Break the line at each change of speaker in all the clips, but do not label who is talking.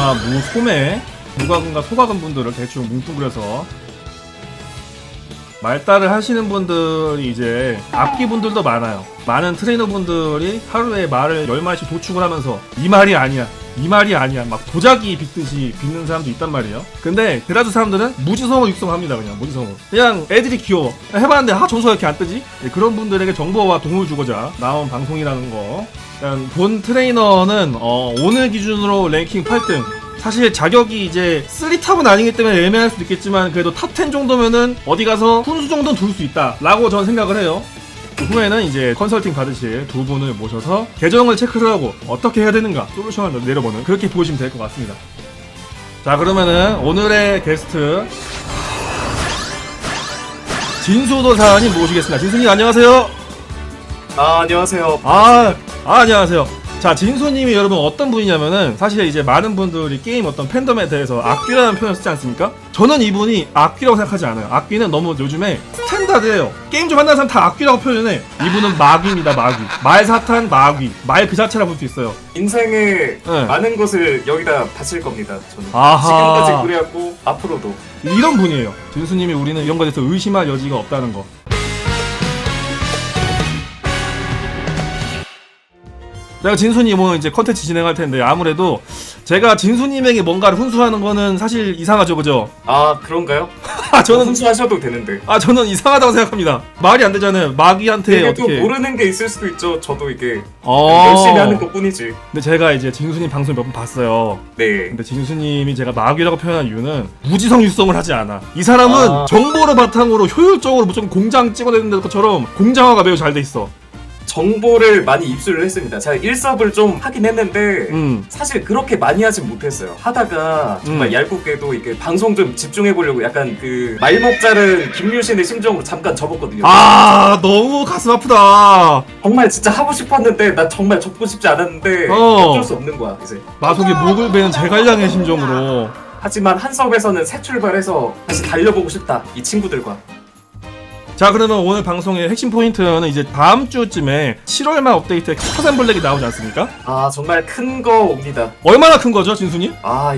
무마, 무소매, 무과금과 소과금 분들을 대충 뭉뚱그려서 말달을 하시는 분들이 이제 악기 분들도 많아요. 많은 트레이너 분들이 하루에 말을 10마리씩 도축을 하면서 이 말이 아니야, 이 말이 아니야 막 도자기 빚듯이 빚는 사람도 있단 말이에요. 근데 데라주 사람들은 무지성으로 육성합니다. 그냥 무지성으로. 그냥 애들이 귀여워. 해봤는데 점수가 이렇게 안 뜨지? 네, 그런 분들에게 정보와 도움을 주고자 나온 방송이라는 거. 본 트레이너는 오늘 기준으로 랭킹 8등. 사실 자격이 이제 3탑은 아니기 때문에 애매할 수도 있겠지만 그래도 탑 10 정도면은 어디 가서 훈수 정도는 둘 수 있다 라고 저는 생각을 해요. 그 후에는 이제 컨설팅 받으실 두 분을 모셔서 계정을 체크를 하고 어떻게 해야 되는가 솔루션을 내려보는, 그렇게 보시면 될 것 같습니다. 자, 그러면은 오늘의 게스트 진수도사님 모시겠습니다. 진수님 안녕하세요.
안녕하세요.
안녕하세요. 자, 진수님이 여러분 어떤 분이냐면은 사실 이제 많은 분들이 게임 어떤 팬덤에 대해서 악귀라는 표현을 쓰지 않습니까? 저는 이분이 악귀라고 생각하지 않아요. 악귀는 너무 요즘에 스탠다드예요. 게임 좀 한다는 사람 다 악귀라고 표현해. 이분은 마귀입니다. 마귀. 말사탄 마귀. 말 그 자체라 볼 수 있어요.
인생의 많은 것을 여기다 바칠 겁니다. 저는
아하.
지금까지 그래왔고 앞으로도
이런 분이에요. 진수님이 우리는 이런 것에 대해서 의심할 여지가 없다는 거. 제가 진수님 오늘 이제 컨텐츠 진행할 텐데 아무래도 제가 진수님에게 뭔가를 훈수하는 거는 사실 이상하죠, 그죠?
그런가요?
저는
훈수하셔도 되는데.
저는 이상하다고 생각합니다. 말이 안 되잖아요. 마귀한테 어떻게?
또 모르는 게 있을 수도 있죠. 저도 이게 열심히 하는 것뿐이지.
근데 제가 이제 진수님 방송 몇 번 봤어요.
네.
근데 진수님이 제가 마귀라고 표현한 이유는 무지성 육성을 하지 않아. 이 사람은 정보를 바탕으로 효율적으로 무조건 공장 찍어내는 것처럼 공장화가 매우 잘 돼 있어.
정보를 많이 입수를 했습니다. 제가 일섭을 좀 하긴 했는데 사실 그렇게 많이 하진 못했어요. 하다가 정말 얄궂게도 이게 방송 좀 집중해보려고 약간 그 말목 자른 김유신의 심정으로 잠깐 접었거든요.
너무 가슴 아프다.
정말 진짜 하고 싶었는데 나 정말 접고 싶지 않았는데 어쩔 수 없는 거야 이제.
마속에 목을 베는 제갈량의 심정으로.
하지만 한섭에서는 새 출발해서 다시 달려보고 싶다 이 친구들과.
자, 그러면 오늘 방송의 핵심 포인트는 이제 다음 주쯤에 7월말 업데이트에 키타산 블랙이 나오지 않습니까?
정말 큰 거 옵니다.
얼마나 큰 거죠, 진수님?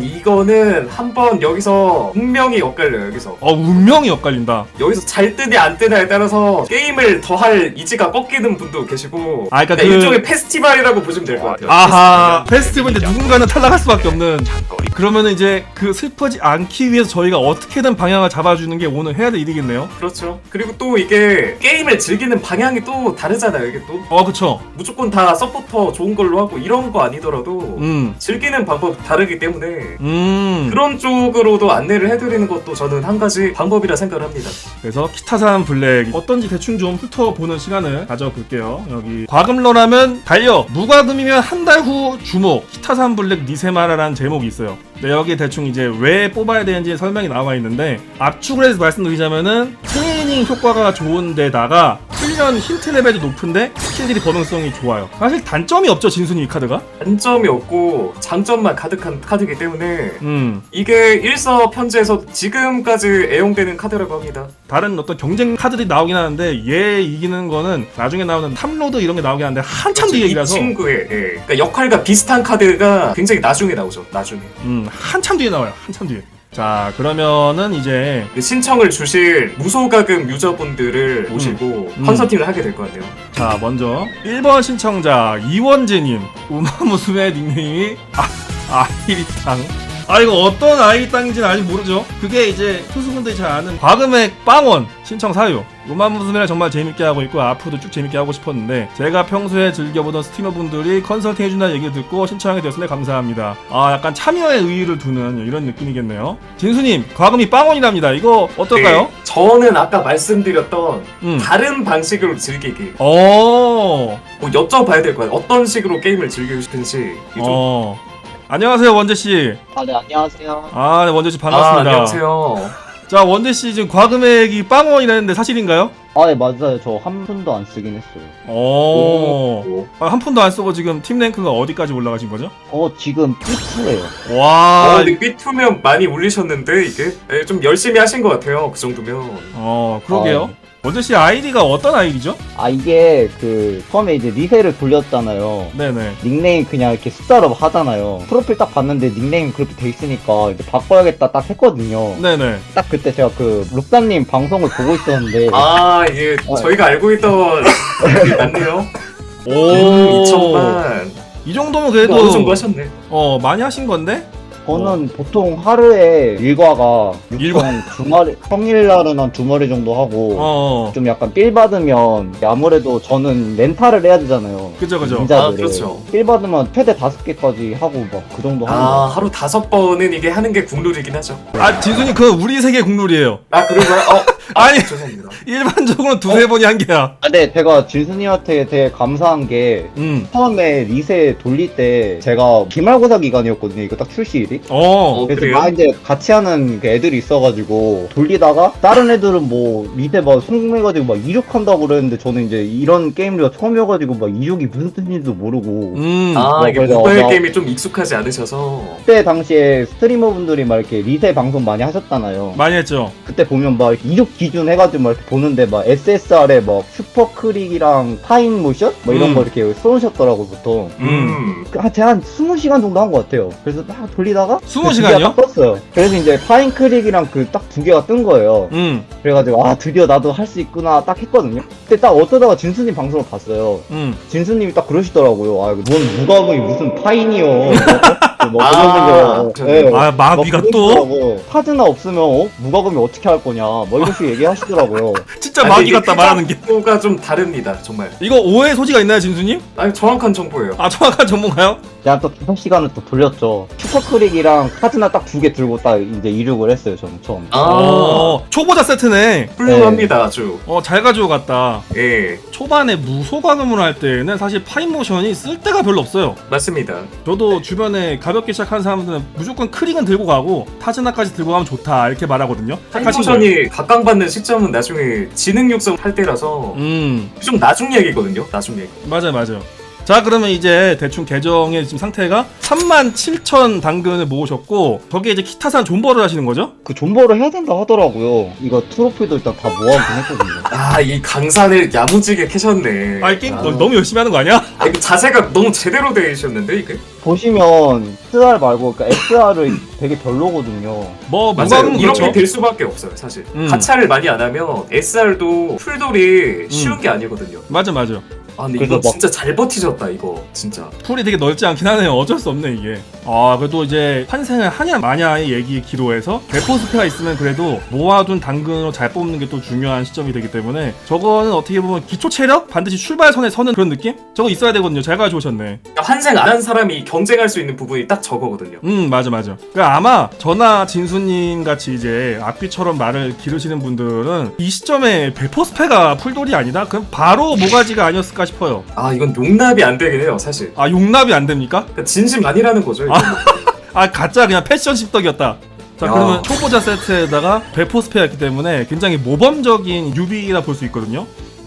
이거는 한번 여기서 운명이 엇갈려요. 여기서
운명이 엇갈린다.
여기서 잘 뜨냐 안 뜨냐에 따라서 게임을 더 할 이지가 꺾이는 분도 계시고,
그러니까
일종의 페스티벌이라고 보시면 될 것 같아요.
페스티벌인데 누군가는 탈락할 수밖에 없는. 그러면은 이제 그 슬퍼지 않기 위해서 저희가 어떻게든 방향을 잡아주는 게 오늘 해야 될 일이겠네요.
그렇죠. 그리고 또 이게 게임을 즐기는 방향이 또 다르잖아요. 이게 또
그쵸.
무조건 다 서포터 좋은 걸로 하고 이런 거 아니더라도 즐기는 방법 다르기 때문에 그런 쪽으로도 안내를 해드리는 것도 저는 한 가지 방법이라 생각을 합니다.
그래서 키타산 블랙 어떤지 대충 좀 훑어보는 시간을 가져볼게요. 여기 과금러라면 달려, 무과금이면 한 달 후 주목, 키타산 블랙 니세마라라는 제목이 있어요. 네, 여기 대충 이제 왜 뽑아야 되는지 설명이 나와 있는데, 압축을 해서 말씀드리자면은 트레이닝 효과가 좋은데다가 훈련 힌트 레벨이 높은데 스킬들이 범용성이 좋아요. 사실 단점이 없죠, 진순이 이 카드가?
단점이 없고 장점만 가득한 카드이기 때문에 이게 일섭 현재에서 지금까지 애용되는 카드라고 합니다.
다른 어떤 경쟁 카드들이 나오긴 하는데 얘 이기는 거는 나중에 나오는 탑로드 이런 게 나오긴 하는데 한참 뒤 얘기라서.
이 친구의 그러니까 역할과 비슷한 카드가 굉장히 나중에 나오죠. 나중에.
한참 뒤에 나와요. 한참 뒤에. 자, 그러면은 이제
신청을 주실 무소가금 유저분들을 모시고 컨설팅을 하게 될 것 같네요.
자, 먼저 1번 신청자 이원재님. 우마무스의 닉네임이 아이리땅. 이거 어떤 아이리땅인지는 아직 모르죠. 그게 이제 투수분들이 잘 아는 과금액 빵원 신청 사유. 우마무스메를 정말 재밌게 하고 있고 앞으로도 쭉 재밌게 하고 싶었는데 제가 평소에 즐겨보던 스트리머분들이 컨설팅 해준다는 얘기를 듣고 신청하게 되었으니 감사합니다. 약간 참여의 의의를 두는 이런 느낌이겠네요. 진수님, 과금이 빵원이랍니다. 이거 어떨까요?
네, 저는 아까 말씀드렸던 다른 방식으로 즐기기. 여쭤봐야 될 거예요. 어떤 식으로 게임을 즐기고 싶은지.
안녕하세요, 원재씨.
네, 안녕하세요.
네, 원재씨 반갑습니다.
안녕하세요.
자, 원재씨 지금 과금액이 빵원이라는데 사실인가요?
네, 맞아요. 저 한 푼도 안 쓰긴 했어요.
한 푼도 안 쓰고 지금 팀 랭크가 어디까지 올라가신 거죠?
지금 P2예요.
와.
근데 B2면 많이 올리셨는데 이게 좀 열심히 하신 것 같아요. 그 정도면.
그러게요. 원재 씨 아이디가 어떤 아이디죠?
이게 처음에 이제 리세를 돌렸잖아요.
네네.
닉네임 그냥 이렇게 숫자로 하잖아요. 프로필 딱 봤는데 닉네임 그렇게 돼 있으니까 이제 바꿔야겠다 딱 했거든요.
네네.
딱 그때 제가 룩사님 방송을 보고 있었는데
이게 저희가 알고 있던 게 맞네요.
오.
2천만.
이 정도면 그래도
어느 정도 하셨네.
많이 하신 건데?
저는 보통 하루에 일과가 6천 주말에 평일날은 한 2마리 정도 하고 좀 약간 삘 받으면 아무래도 저는 렌탈을 해야 되잖아요.
그죠.
그렇죠.
삘 받으면 최대 5개까지 하고 막 그 정도 하는 거.
하루 5번은 이게 하는 게 국룰이긴 하죠.
진순이 그건 우리 세계 국룰이에요.
그런가요?
아니,
죄송합니다.
일반적으로 두세 번이 한계야.
네, 제가 진순이한테 되게 감사한 게 처음에 리세 돌릴 때 제가 기말고사 기간이었거든요. 이거 딱 출시일이. 그래서
그래요?
막 이제 같이 하는 그 애들이 있어가지고 돌리다가 다른 애들은 뭐 리세 막 성공해가지고 막 이륙한다고 그랬는데 저는 이제 이런 게임류가 처음이어가지고 막 이륙이 무슨 뜻인지도 모르고
이게
그래서
모바일 게임이 좀 익숙하지 않으셔서.
그때 당시에 스트리머분들이 막 이렇게 리세 방송 많이 하셨잖아요.
많이 했죠.
그때 보면 막 이렇게 이륙 기준 해가지고 막 이렇게 보는데 막 SSR에 막 슈퍼크릭이랑 파인 모션? 뭐 이런 거 이렇게 쏘셨더라고 보통. 제가 한 20시간 정도 한 것 같아요. 그래서 막 돌리다가
20시간이요?
딱 떴어요. 그래서 이제 파인 크릭이랑 딱 2개가 뜬 거예요. 그래가지고 드디어 나도 할 수 있구나 딱 했거든요. 그때 딱 어쩌다가 진수님 방송을 봤어요. 진수님이 딱 그러시더라고요. 뭔 무과금이 무슨 파인이요.
마비가 또?
파즈나 없으면 무과금이 어떻게 할 거냐 뭐 이런 식으로 얘기하시더라고요.
진짜 마비 같다 말하는 게.
가 좀 다릅니다 정말.
이거 오해 소지가 있나요 진수님?
정확한 정보예요.
정확한 정보인가요?
제가 또 5시간을 또 돌렸죠. 슈퍼크릭이랑 파즈나 딱 2개 들고 딱 이제 이륙을 했어요 저는 처음.
초보자 세트네.
훌륭합니다 아주.
잘 가지고 갔다.
예.
초반에 무소과금을 할 때는 사실 파인모션이 쓸 데가 별로 없어요.
맞습니다.
저도 주변에 가볍게 시작하는 사람들은 무조건 크릭은 들고 가고 타즈나까지 들고 가면 좋다 이렇게 말하거든요.
파인모션이 각광받는 시점은 나중에 지능 육성 할 때라서 좀 나중 얘기거든요. 나중 얘기.
맞아요. 자 그러면 이제 대충 계정의 지금 상태가 37,000 당근을 모으셨고 거기에 이제 키타산 존버를 하시는 거죠?
그 존버를 해야 된다 하더라고요. 이거 트로피도 일단 다 모아보긴 했거든요.
이 강산을 야무지게 캐셨네.
게임 너무 열심히 하는 거 아니야?
이거 자세가 너무 제대로 되셨는데 이게?
보시면 SR 말고 그러니까 SR을 되게 별로거든요.
무과금
이렇게
그렇죠.
될 수밖에 없어요 사실. 가차를 많이 안 하면 SR도 풀돌이 쉬운 게 아니거든요.
맞아.
근데 이거 진짜 잘 버티셨다 이거 진짜.
풀이 되게 넓지 않긴 하네요. 어쩔 수 없네 이게. 그래도 이제 환생을 하냐 마냐의 얘기 기로에서 대포스페가 있으면 그래도 모아둔 당근으로 잘 뽑는 게 또 중요한 시점이 되기 때문에 저거는 어떻게 보면 기초 체력 반드시 출발선에 서는 그런 느낌? 저거 있어야 되거든요. 잘 가져오셨네.
환생 안 한 사람이 경쟁할 수 있는 부분이 딱 저거거든요.
맞아. 그러니까 아마 저나 진수님 같이 이제 악귀처럼 말을 기르시는 분들은 이 시점에 대포스페가 풀돌이 아니다? 그럼 바로 모가지가 아니었을까 싶어요.
이건 용납이 안 되긴 해요 사실.
용납이 안 됩니까?
그러니까 진심 아니라는 거죠.
가짜 그냥 패션 십덕이었다. 자 그러면 초보자 세트에다가 대포스페였기 때문에 굉장히 모범적인 유비라 볼 수 있거든요.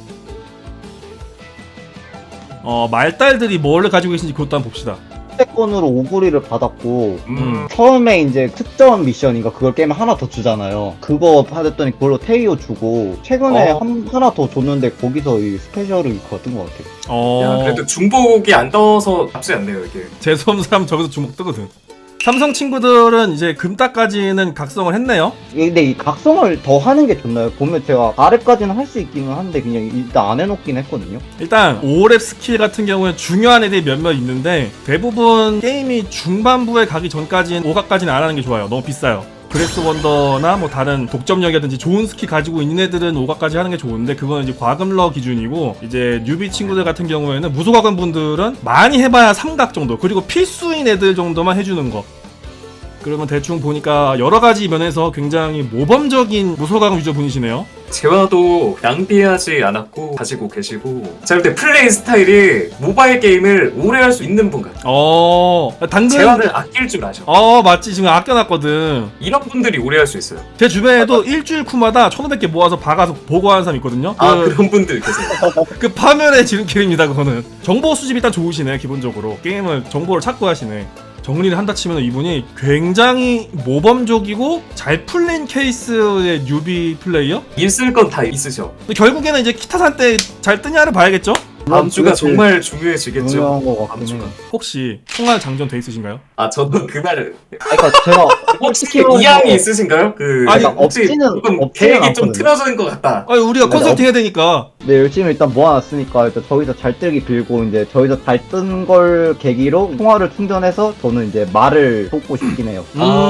말달들이 뭘 가지고 계신지 그것도 한번 봅시다.
선택권으로 오구리를 받았고 처음에 이제 특전 미션인가 그걸 깨면 하나 더 주잖아요. 그거 받았더니 그걸로 테이오 주고 최근에 하나 더 줬는데 거기서 이 스페셜을 받은 것 같아요.
그래도 중복이 안 떠서 나쁘지 않네요 이게.
재수없는 사람 저기서 주먹 뜨거든. 삼성 친구들은 이제 금따까지는 각성을 했네요.
근데 이 각성을 더 하는 게 좋나요? 보면 제가 아래까지는 할 수 있기는 한데 그냥 일단 안 해놓긴 했거든요.
일단 5렙 스킬 같은 경우에 중요한 애들이 몇몇 있는데 대부분 게임이 중반부에 가기 전까지는 5가까지는 안 하는 게 좋아요. 너무 비싸요. 그레스 원더나 뭐 다른 독점력이라든지 좋은 스킬 가지고 있는 애들은 5가까지 하는 게 좋은데 그건 이제 과금러 기준이고 이제 뉴비 친구들 같은 경우에는 무소과금 분들은 많이 해봐야 3각 정도 그리고 필수인 애들 정도만 해주는 거. 그러면 대충 보니까 여러가지 면에서 굉장히 모범적인 무소과금 유저 분이시네요.
재화도 낭비하지 않았고 가지고 계시고 제가 볼 때 플레이 스타일이 모바일 게임을 오래 할 수 있는 분 같아요.
당근.
재화를 아낄 줄 아셔.
맞지. 지금 아껴놨거든.
이런 분들이 오래 할 수 있어요.
제 주변에도 일주일 쿠마다 1,500개 모아서 박아서 보고하는 사람 있거든요.
그런 분들 계세요.
그 파멸의 지름길입니다. 그거는 정보 수집이 일단 좋으시네. 기본적으로 게임을 정보를 찾고 하시네. 정리를 한다 치면 이분이 굉장히 모범적이고 잘 풀린 케이스의 뉴비 플레이어?
있을 건 다 있으셔.
근데 결국에는 이제 키타산 때 잘 뜨냐를 봐야겠죠?
다음 주가
그렇지.
정말 중요해지겠죠.
중요한 거
다음
같긴
주가.
해요.
혹시 총알 장전 돼 있으신가요?
저도 그 말을
그러니까 제가
혹시
키워서-
이양이 있으신가요?
아니,
혹시
없지는
조금 계획이 좀
않거든요.
틀어진 것 같다.
우리가
네,
컨설팅 해야 되니까.
네, 열심히 일단 모아놨으니까 일단 저기서 잘 뜨기 빌고 이제 저기서 잘 뜬 걸 계기로 통화를 충전해서 저는 이제 말을 쏟고 싶긴 해요.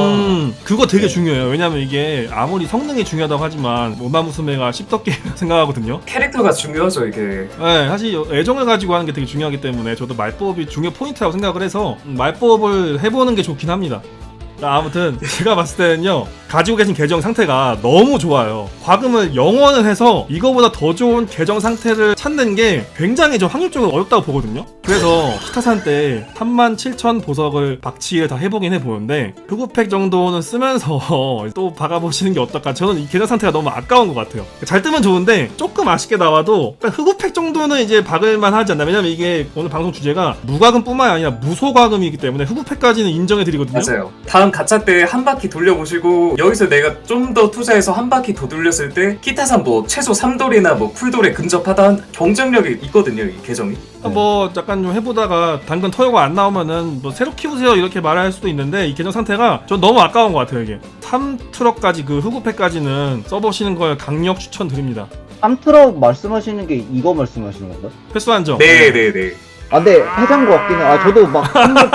그거 되게
네.
중요해요. 왜냐면 이게 아무리 성능이 중요하다고 하지만 오마무스메가 씹덕게 생각하거든요.
캐릭터가 중요하죠 이게.
네, 사실 애정을 가지고 하는 게 되게 중요하기 때문에 저도 말법이 중요 포인트라고 생각을 해서 말법을 해보는 게 좋긴 합니다. 아무튼 제가 봤을 때는요, 가지고 계신 계정 상태가 너무 좋아요. 과금을 0원을 해서 이거보다 더 좋은 계정 상태를 찾는 게 굉장히 저 확률적으로 어렵다고 보거든요. 그래서 키타산 때 37,000 보석을 박치기를 다 해보긴 해보는데 흑우팩 정도는 쓰면서 또 박아보시는 게 어떨까. 저는 이 계정 상태가 너무 아까운 것 같아요. 잘 뜨면 좋은데 조금 아쉽게 나와도 흑우팩 정도는 이제 박을만 하지 않나. 왜냐면 이게 오늘 방송 주제가 무과금 뿐만 아니라 무소과금이기 때문에 흑우팩까지는 인정해드리거든요.
맞아요. 다음 가차 때 한 바퀴 돌려보시고 여기서 내가 좀 더 투자해서 한 바퀴 더 돌렸을 때 키타산 뭐 최소 3돌이나 뭐 풀돌에 근접하다 경쟁력이 있거든요 이 계정이.
뭐 약간 좀 해보다가 당근 터요가 안 나오면은 뭐 새로 키우세요 이렇게 말할 수도 있는데 이 계정 상태가 전 너무 아까운 것 같아요. 이게 3트럭까지 그 흑우팩까지는 써보시는 걸 강력 추천드립니다.
3트럭 말씀하시는 게 이거 말씀하시는 건가요?
패스 한정.
네네네.
근데 해장 것 같긴 해요. 저도 막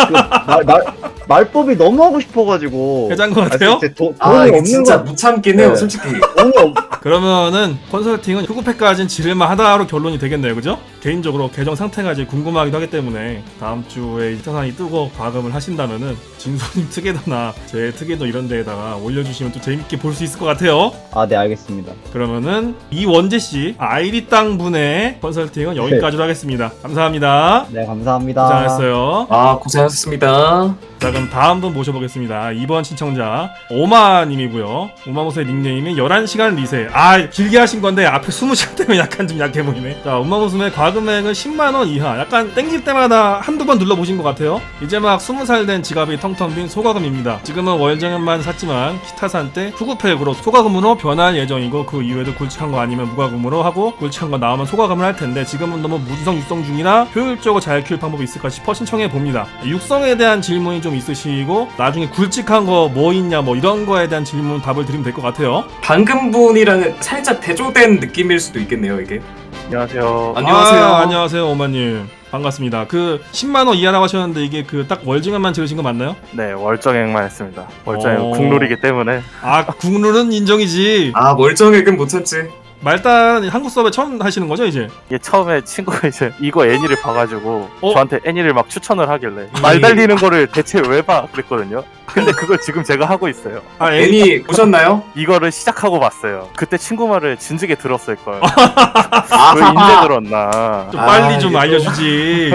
말법이 너무 하고 싶어가지고.
해장 것 같아요?
돈이
이게
없는
진짜
거.
무참긴 해요
네.
솔직히.
돈이
그러면은 컨설팅은 흑우팩까지는 지를만 하다로 결론이 되겠네요, 그죠? 개인적으로 계정 상태가 이제 궁금하기도 하기 때문에 다음 주에 이타산이 뜨고 과금을 하신다면은 진소님 특혜도나 제 특혜도 이런 데에다가 올려주시면 또 재밌게 볼 수 있을 것 같아요.
네, 알겠습니다.
그러면은 이원재 씨 아이리 땅 분의 컨설팅은 여기까지로 하겠습니다. 감사합니다.
네, 감사합니다.
고생하셨어요.
고생하셨습니다.
자, 그럼 다음 분 모셔보겠습니다. 이번 신청자 오마님이고요. 오마모스의 닉네임이 11시간 리세. 길게 하신 건데 앞에 20시간 때문에 약간 좀 약해 보이네. 자, 오마모스의 과금액은 10만원 이하. 약간 땡길 때마다 한두 번 눌러보신 것 같아요. 이제 막 20살 된 지갑이 텅텅 빈 소과금입니다. 지금은 월정액만 샀지만 키타산 때 후구팩으로 소과금으로 변할 예정이고 그 이후에도 굵직한 거 아니면 무과금으로 하고 굵직한 거 나오면 소과금을 할 텐데 지금은 너무 무지성 육성 중이라 효율적으로 잘 키울 방법이 있을까 싶어 신청해 봅니다. 육성에 대한 질문이 좀 있으시고 나중에 굵직한 거 뭐 있냐 뭐 이런 거에 대한 질문 답을 드리면 될 것 같아요.
방금 분이랑은 살짝 대조된 느낌일 수도 있겠네요 이게.
안녕하세요.
안녕하세요.
안녕하세요 오마님. 반갑습니다. 그 10만원 이하라고 하셨는데 이게 그 딱 월증액만 지르신 거 맞나요?
네, 월정액만 했습니다. 월정액 국룰이기 때문에.
국룰은 인정이지.
멀쩡액은 못 참지.
말단 한국 서버에 처음 하시는 거죠 이제?
이게 처음에 친구가 이제 이거 애니를 봐가지고
어?
저한테 애니를 막 추천을 하길래 말 달리는 거를 대체 왜 봐? 그랬거든요. 근데 그걸 지금 제가 하고 있어요.
애니 보셨나요?
이거를 시작하고 봤어요. 그때 친구 말을 진즉에 들었을 걸. 왜 인제 들었나?
좀 빨리 좀
이게 또-
알려주지.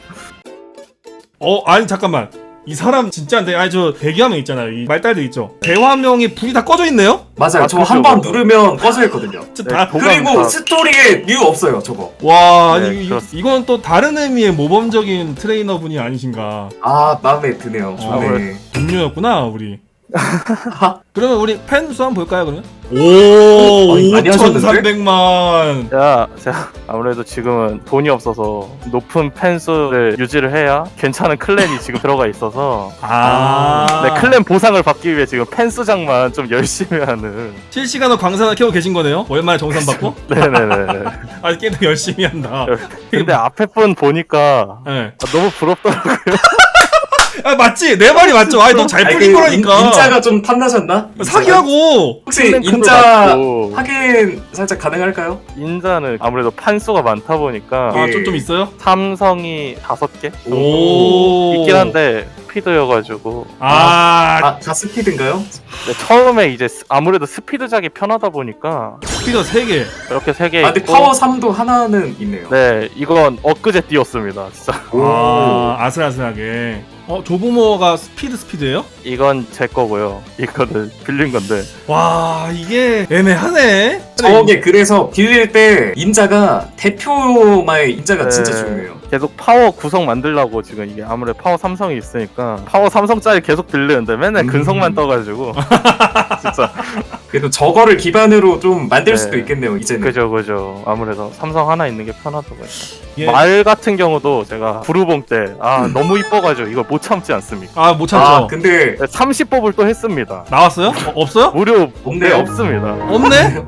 아니 잠깐만. 이 사람 진짜인데 저 대기화면 있잖아요. 이 말달들 있죠. 대화명이 불이 다 꺼져 있네요?
맞아요. 저
그죠,
한 번
그죠.
누르면 꺼져 있거든요.
진짜
네,
다.
도감
그리고
다-
스토리에 뮤 없어요 저거.
와,
네,
아니
그렇습니다.
이건 또 다른 의미의 모범적인 트레이너 분이 아니신가.
마음에 드네요. 좋네.
동료였구나 우리. 그러면 우리 팬 수 한번 볼까요 그러면?
아니, 많이 하셨는데?
5,300만.
제가 아무래도 지금은 돈이 없어서 높은 팬수를 유지를 해야 괜찮은 클랜이 지금 들어가 있어서 네, 클랜 보상을 받기 위해 지금 팬수장만 좀 열심히 하는.
실시간으로 광산을 켜고 계신 거네요? 월말에 정산 받고?
네네네.
게임 열심히 한다.
근데 앞에 분 보니까
네.
너무 부럽더라고요.
맞지? 내 말이 맞죠? 너 잘 풀린 거라니까.
인자가 좀 탐나셨나?
사기하고.
혹시
클랜 큰거
인자
같고.
확인 살짝 가능할까요?
인자는 아무래도 판수가 많다 보니까
예.
좀 있어요?
삼성이 5개
오.
있긴 한데 스피드여가지고
아,
다 스피드인가요?
네, 처음에 이제 아무래도 스피드작이 편하다 보니까
스피더 3개.
이렇게 3개
아 근데
있고
파워 3도 하나는 있네요.
네 이건 엊그제 띄웠습니다 진짜.
아, 아슬아슬하게. 조부모가 스피드예요?
이건 제 거고요. 이거는 빌린 건데.
와, 이게 애매하네.
저게 그래서 빌릴 때 인자가 대표마의 인자가
네.
진짜 중요해요.
계속 파워 구성 만들려고 지금 이게 아무래도 파워 삼성이 있으니까 파워 삼성짜리 계속 빌리는데 맨날 근성만 떠가지고 진짜.
그래도 저거를 기반으로 좀 만들
네.
수도 있겠네요 이제는.
그죠. 아무래도 삼성 하나 있는 게 편하더라고요.
예.
말 같은 경우도 제가 부르봉 때 너무 이뻐가지고 이걸 못 참지 않습니까?
아, 못 참죠.
아 근데
30법을 또 했습니다.
나왔어요? 없어요?
무료
없네요.
네, 없습니다.
없네?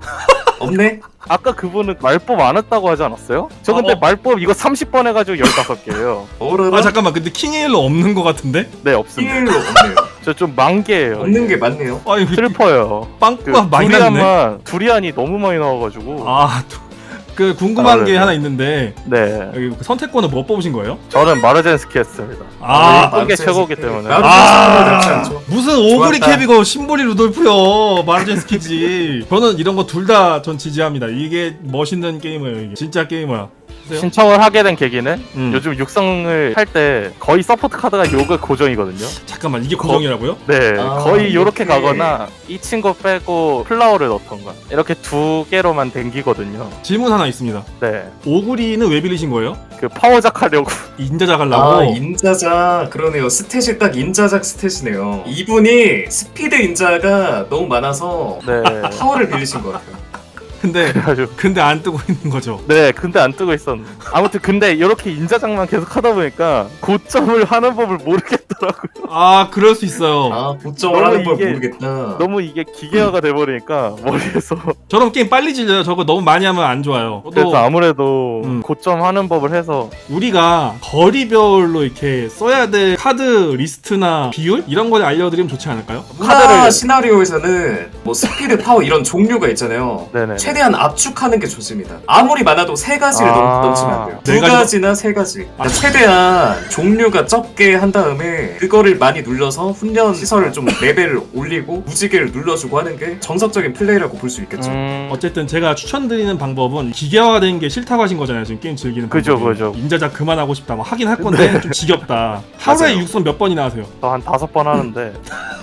없네?
아까 그분은 말법 안 했다고 하지 않았어요? 저 근데
어.
말법 이거 30번 해가지고 15개예요.
어라라?
아, 잠깐만. 근데 킹에일로 없는 것 같은데?
네 없습니다.
킹일로 없네요.
저 좀 만개예요.
없는 게 맞네요.
아니,
슬퍼요.
빵꾸가 많이 났네.
두리안이 너무 많이 나와가지고.
아, 그 궁금한 게
네.
하나 있는데
네,
여기 선택권을 뭐 뽑으신 거예요?
저는 마르젠스키 했습니다.
아,
이쁜 게 최고기 때문에.
나쁘지 않죠.
무슨 오그리
좋았다.
캡이고 심보리 루돌프요. 마르젠스키지. 저는 이런 거 둘 다 전 지지합니다. 이게 멋있는 게임이에요. 이게 진짜 게임이야.
신청을 하게 된 계기는
요즘
요즘 육성을 할 때 거의 서포트 카드가 요가 고정이거든요.
잠깐만, 이게 고정이라고요?
네,
아,
거의 요렇게
이렇게.
가거나 이 친구 빼고 플라워를 넣던가 이렇게 2개로만 댕기거든요.
질문 하나 있습니다.
네,
오그리는 왜 빌리신 거예요?
그 파워작 하려고.
인자작 하려고?
아 인자작 그러네요. 스탯이 딱 인자작 스탯이네요. 이분이 스피드 인자가 너무 많아서
네,
파워를 빌리신 것 같아요.
근데
그래가지고.
안 뜨고 있는 거죠.
네, 근데 안 뜨고 있었는데. 아무튼 근데 이렇게 인자작만 계속 하다 보니까 고점을 하는 법을 모르겠더라고요.
아, 그럴 수 있어요.
아 고점을
너무
하는 걸
이게
모르겠다.
너무 이게 기계화가 돼버리니까 머리에서.
저런 게임 빨리 질려요. 저거 너무 많이 하면 안 좋아요.
그래서
또
아무래도
음.
고점 하는 법을 해서.
우리가 거리별로 이렇게 써야 될 카드 리스트나 비율 이런 걸 알려드리면 좋지 않을까요?
문화 시나리오에서는 뭐 스피드, 파워 이런 종류가 있잖아요.
네네.
최대한 압축하는 게 좋습니다. 아무리 많아도 세 가지를 넘치면 안 돼요.
네
두
가지
가지나 세 가지. 그러니까 최대한 종류가 적게 한 다음에 그거를 많이 눌러서 훈련 시설을 좀 레벨을 올리고 무지개를 눌러주고 하는 게 정석적인 플레이라고 볼 수 있겠죠.
어쨌든 제가 추천드리는 방법은 기계화된 게 싫다고 하신 거잖아요. 지금 게임 즐기는
그죠,
방법이.
그죠.
인자작 그만하고 싶다. 뭐 하긴 할 건데 좀 지겹다. 하루에
맞아요.
육성 몇 번이나 하세요?
저 한 5번 하는데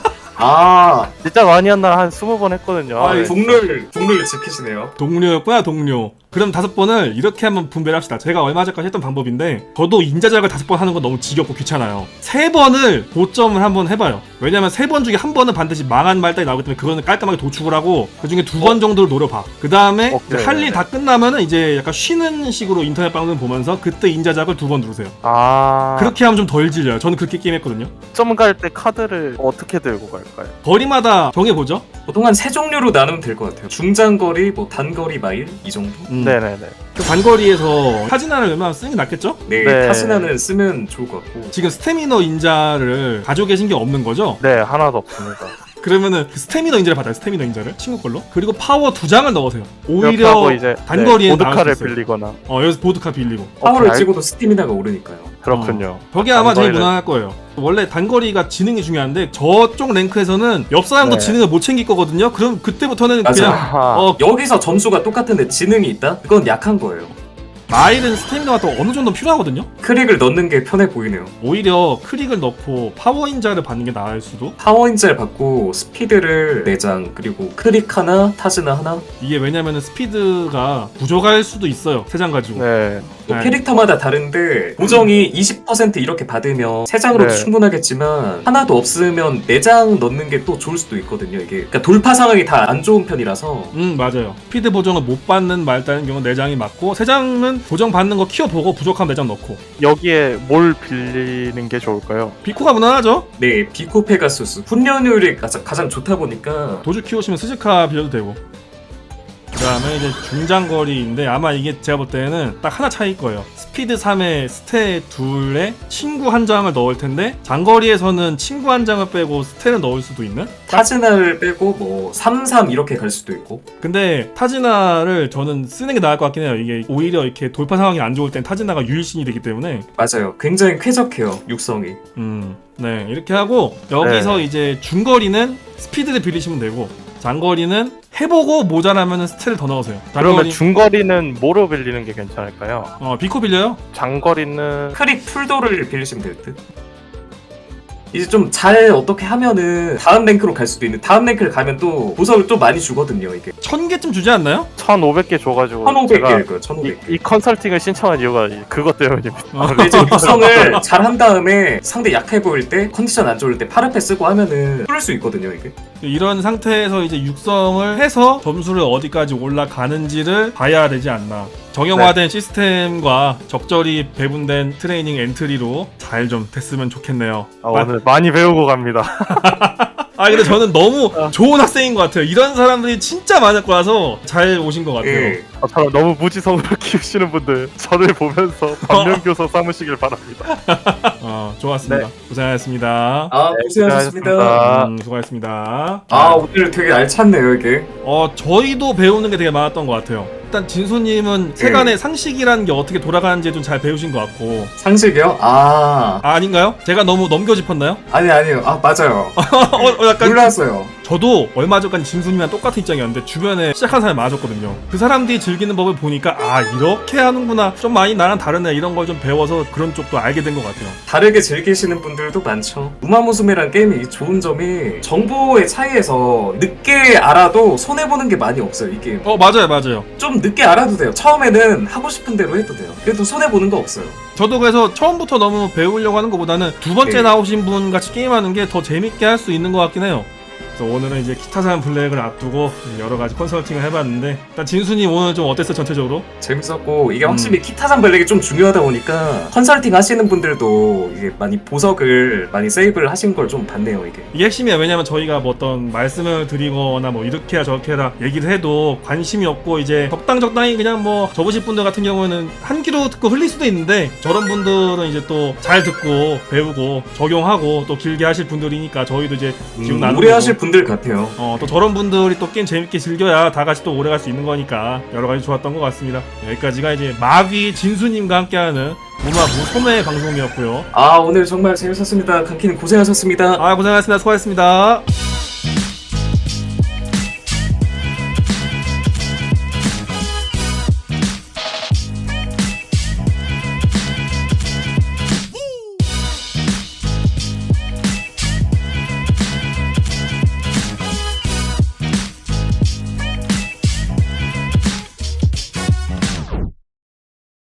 아,
진짜 많이 한 날 한 20번 했거든요.
아,
네.
국룰 지키시네요.
동료였구나, 동료. 그럼 5번을 이렇게 한번 분배를 합시다. 제가 얼마 전까지 했던 방법인데 저도 인자작을 5번 하는 건 너무 지겹고 귀찮아요. 3번을 고점을 한번 해봐요. 왜냐면 3번 중에 한 번은 반드시 망한 말단이 나오기 때문에 그거는 깔끔하게 도축을 하고 그 중에 2번 정도를 노려봐. 그 다음에
오케이.
할 일 다 끝나면은 이제 약간 쉬는 식으로 인터넷 방송 보면서 그때 인자작을 2번 누르세요.
아,
그렇게 하면 좀 덜 질려요. 저는 그렇게 게임했거든요.
점 갈 때 카드를 어떻게 들고 갈까요?
거리마다 정해보죠.
보통 한 3종류로 나누면 될 것 같아요. 중장거리, 뭐 단거리 마일 이 정도?
네네네.
그 단거리에서 타지나를 웬만하면 쓰는 게 낫겠죠?
네,
네.
타스나는 쓰면 좋을 것 같고.
지금 스태미너 인자를 가지고 계신 게 없는 거죠?
네, 하나도 없습니다.
그러면은 그 스태미너 인자를 받아요. 스태미너 인자를 친구 걸로. 그리고 파워 2장을 넣으세요.
이렇게
오히려
하고 이제
단거리에 나올
보드카를
수 있어요.
빌리거나.
여기서 보드카 빌리고.
파워를
알-
찍어도 스티미나가 오르니까요.
그렇군요.
저게 아마 제일
단거리를-
무난할 거예요. 원래 단거리가 지능이 중요한데 저쪽 랭크에서는 옆 사람도
네.
지능을 못 챙길 거거든요. 그럼 그때부터는
맞아요.
그냥
아하.
여기서 점수가 똑같은데 지능이 있다? 그건 약한 거예요.
마일은 스태미너가 또 어느 정도 필요하거든요.
크릭을 넣는 게 편해 보이네요.
오히려 크릭을 넣고 파워 인자를 받는 게 나을 수도.
파워 인자를 받고 스피드를 4장 그리고 크릭 하나, 타즈나 하나.
이게 왜냐면은 스피드가 부족할 수도 있어요. 3장 가지고.
네.
또
네.
캐릭터마다 다른데 보정이 20% 이렇게 받으면 3장으로도
네.
충분하겠지만 하나도 없으면 4장 넣는 게 또 좋을 수도 있거든요. 이게 그러니까 돌파 상황이 다 안 좋은 편이라서
맞아요. 스피드 보정을 못 받는 말다는 경우는 4장이 맞고 3장은 보정 받는 거 키워보고 부족하면 4장 넣고.
여기에 뭘 빌리는 게 좋을까요?
비코가 무난하죠?
네, 비코 페가수스 훈련율이 가장 좋다 보니까
도주 키우시면 스즈카 빌려도 되고. 그다음에 이제 중장거리인데 아마 이게 제가 볼 때는 딱 하나 차이일 거예요. 스피드 3에 스테 2에 친구 한 장을 넣을 텐데 장거리에서는 친구 한 장을 빼고 스테를 넣을 수도 있는?
타즈나를 빼고 뭐 3-3 이렇게 갈 수도 있고.
근데 타즈나를 저는 쓰는 게 나을 것 같긴 해요. 이게 오히려 이렇게 돌파 상황이 안 좋을 땐 타즈나가 유일신이 되기 때문에.
맞아요. 굉장히 쾌적해요. 육성이.
네, 이렇게 하고 여기서 이제 중거리는 스피드를 빌리시면 되고 장거리는 해보고 모자라면 스텔을 더 넣으세요.
그러면 중거리는 뭐로 빌리는 게 괜찮을까요?
비코 빌려요?
장거리는
크릭 풀도를 빌리시면 될 듯. 이제 좀 잘 어떻게 하면은 다음 랭크로 갈 수도 있는. 다음 랭크를 가면 또 보석을 또 많이 주거든요. 이게
1000개쯤 주지 않나요?
1500개 줘가지고
1500개일 거예요. 1500개.
이 컨설팅을 신청한 이유가 그것 때문입니다.
근데 이제 육성을 잘 한 다음에 상대 약해 보일 때 컨디션 안 좋을 때 파르페 쓰고 하면은 뚫을 수 있거든요. 이게.
이런 상태에서 이제 육성을 해서 점수를 어디까지 올라가는지를 봐야 되지 않나. 정형화된 시스템과 적절히 배분된 트레이닝 엔트리로 잘 좀 됐으면 좋겠네요.
오늘 많이 배우고 갑니다.
근데 저는 너무 좋은 학생인 것 같아요. 이런 사람들이 진짜 많을 거라서 잘 오신 것 같아요.
예.
저는 너무 무지성으로 키우시는 분들 저를 보면서 반면교사 삼으시길 바랍니다.
좋았습니다. 고생하셨습니다.
고생하셨습니다.
수고하셨습니다.
오늘 되게 알찼네요, 이게.
저희도 배우는 게 되게 많았던 것 같아요. 일단 진수님은 세간의 상식이라는 게 어떻게 돌아가는지 좀 잘 배우신 것 같고.
상식이요?
아닌가요? 제가 너무 넘겨짚었나요?
아니요. 맞아요.
약간
놀랐어요.
저도 얼마 전까지 진수님이랑 똑같은 입장이었는데 주변에 시작한 사람이 많았거든요. 그 사람들이 즐기는 법을 보니까 이렇게 하는구나, 좀 많이 나랑 다르네, 이런 걸 좀 배워서 그런 쪽도 알게 된 것 같아요.
다르게 즐기시는 분들도 많죠. 우마무스메란 게임이 좋은 점이 정보의 차이에서 늦게 알아도 손해보는 게 많이 없어요, 이 게임.
맞아요.
좀 늦게 알아도 돼요. 처음에는 하고 싶은 대로 해도 돼요. 그래도 손해보는 거 없어요.
저도 그래서 처음부터 너무 배우려고 하는 것보다는 두 번째
네.
나오신 분 같이 게임하는 게 더 재밌게 할 수 있는 것 같긴 해요. 그래서 오늘은 이제 키타산 블랙을 앞두고 여러 가지 컨설팅을 해봤는데, 일단 진수님 오늘 좀 어땠어요, 전체적으로?
재밌었고, 이게 확실히 키타산 블랙이 좀 중요하다 보니까 컨설팅 하시는 분들도 이게 많이 보석을 많이 세이브를 하신 걸 좀 봤네요, 이게.
이게 핵심이에요. 왜냐면 저희가 뭐 어떤 말씀을 드리거나 뭐 이렇게 해라 저렇게 해라 얘기를 해도 관심이 없고 이제 적당히 그냥 뭐 접으실 분들 같은 경우에는 한 귀로 듣고 흘릴 수도 있는데, 저런 분들은 이제 또 잘 듣고 배우고 적용하고 또 길게 하실 분들이니까 저희도 이제 지금 나누고
오래 하실 분들 같아요.
또 저런 분들이 또 게임 재밌게 즐겨야 다 같이 또 오래 갈 수 있는 거니까 여러 가지 좋았던 것 같습니다. 여기까지가 이제 마귀 진수님과 함께하는 무소매 방송이었고요.
오늘 정말 재밌었습니다. 강키님 고생하셨습니다.
고생하셨습니다. 수고하셨습니다.